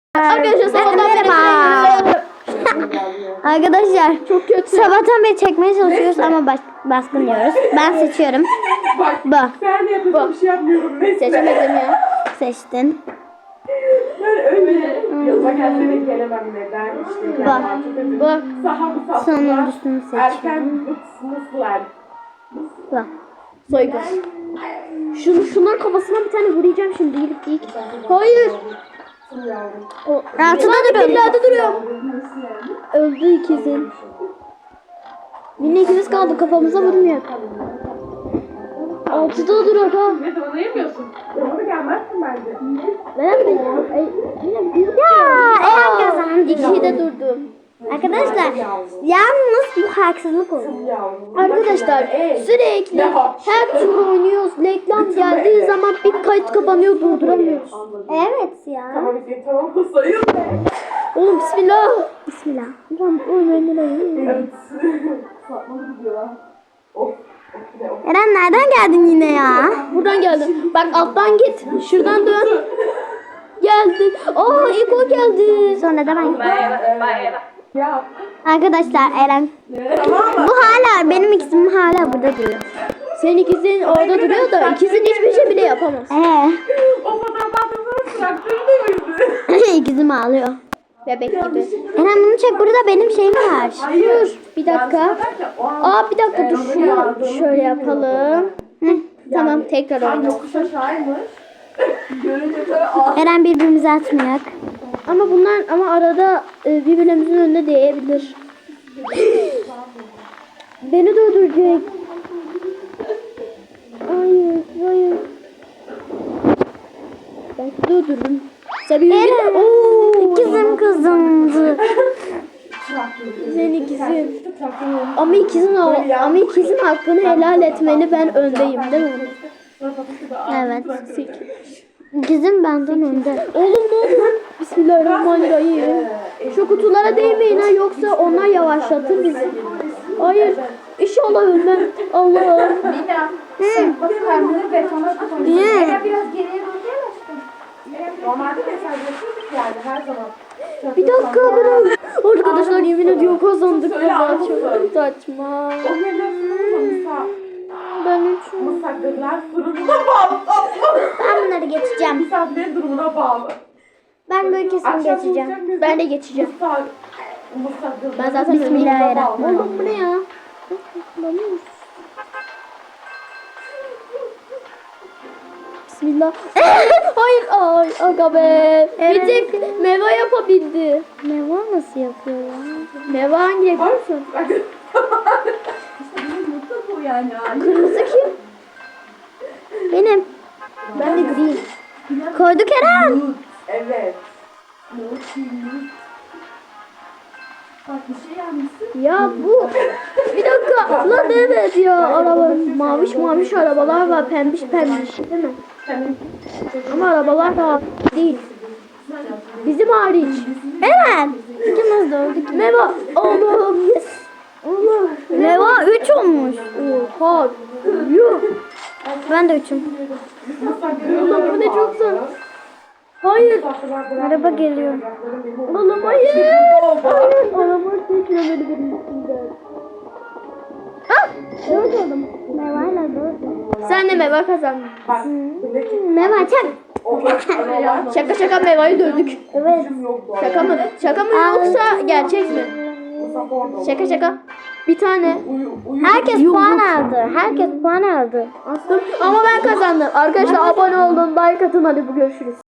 Arkadaşlar sabahtan beri Arkadaşlar çok kötü. sabahtan beri çekmeye çalışıyoruz ama baskın diyoruz. Ben seçiyorum. Bu. Ben de yapacağım bir şey yapmıyorum. Neyse. Seçemedim ya. Seçtin. Ben öyle yılma gelse de gelemem neden işte. Bak. Bak. Sahamı Sonuncusunu seçiyorum. Erken mıslar. Bu. Soygun. Şunların kafasına bir tane vuracağım şimdi. İlk. Hayır. Altıda duruyor. Nerede duruyor? Öldü ikizin. Yine ikiz kaldı, kafamıza vurmuyor. Altıda duruyor ha. Ne de onu yemiyorsun. Onu gelmezsin bence. Ben de Ya Eren kazandı. İkiyi de durdum. Arkadaşlar yalnız bu haksızlık oldu. Arkadaşlar sürekli her tur oynuyoruz. Reklam geldiği zaman bir kayıt kapanıyor, durduramıyoruz. Evet ya. Tamam sayın. Oğlum bismillah. Bismillah. Evet. Satmalı gidiyorlar. Of. Eren nereden geldin yine ya? Buradan geldim. Bak alttan git. Şuradan dön. Geldin. Aa ilk o geldi. Sonra da ben. Ya. Arkadaşlar Eren. Bu hala benim ikizim hala burada duruyor. Senin ikizin orada duruyor da ikizin hiçbir şey bile yapamaz. O fotoğraftan sonra bıraktırdı. İkizim ağlıyor. Bebek gibi. Eren bunu çek, burada benim şeyim var. Dur bir dakika. Aa bir dakika dur şunu şöyle yapalım. Hı. Tamam tekrar Sen oynayalım. yokuş aşağıymış. Görünce böyle Eren birbirimize atmayak. Ama bunlar arada birbirimizin önüne değebilir. Beni de öldürecek. Hayır. Ben de öldürdüm. Sen bir Eren. İkizim kızımdı. Senin ikizin. Ama ikizin hakkını helal etmeli, ben öndeyim değil mi? Evet. İkizim benden önde. Oğlum ne oldu lan? Bismillahirrahmanirrahim. Şu kutulara değmeyin ha, yoksa onlar yavaşlatır bizi. Hayır. İnşallah ölmem. Allah. bak kendini betona tutmuş. Niye? Biraz geriye dönüyor. Normalde mesajlaşıyorduk yani her zaman. Bir dakika bırak. Arkadaşlar yemin ediyorum kazandık. Söyle Vallahi anlatın. çok saçma. O ne Ben üçüm. Mısaklarlar fırınına bağlı. Ben bunları geçeceğim. Misafirlerin durumuna bağlı. Ben böyle kesin geçeceğim. Ben de geçeceğim. Mısaklarlar. Ben zaten Bismillahirrahmanirrahim. Oğlum bu ne ya? Bismillah. Hayır. Ay aga be. Bir tek Meva yapabildi. Ne var, nasıl yapıyor ya? Meva hangi yapıyorsun? Bu yani. Kırmızı kim? Benim. Ben de green. Koyduk Eren. Evet. Bak bir şey yapmışsın. Ya bu bir dakika lan evet ya araba maviş arabalar var, pembiş değil mi? Ama arabalar da değil. Bizim hariç. Eren. İkimiz de öldük. Meva Allah'ım yes. Allah. Meva 3 olmuş. Oha. Yuh. Ben de 3'üm. Allah bu ne çok zor. Hayır. Araba geliyor. Oğlum hayır. Hayır. Araba teklemeli benim üstümden. Ah. Evet oldum. Meva'yla 4. Sen de Meva kazandın. Meva çak. Şaka Meva'yı dövdük. Evet. Şaka mı yoksa gerçek mi? Şaka. Bir tane. Herkes puan aldı. Herkes puan aldı. Ama ben kazandım. Arkadaşlar abone olun, like atın, hadi bu görüşürüz.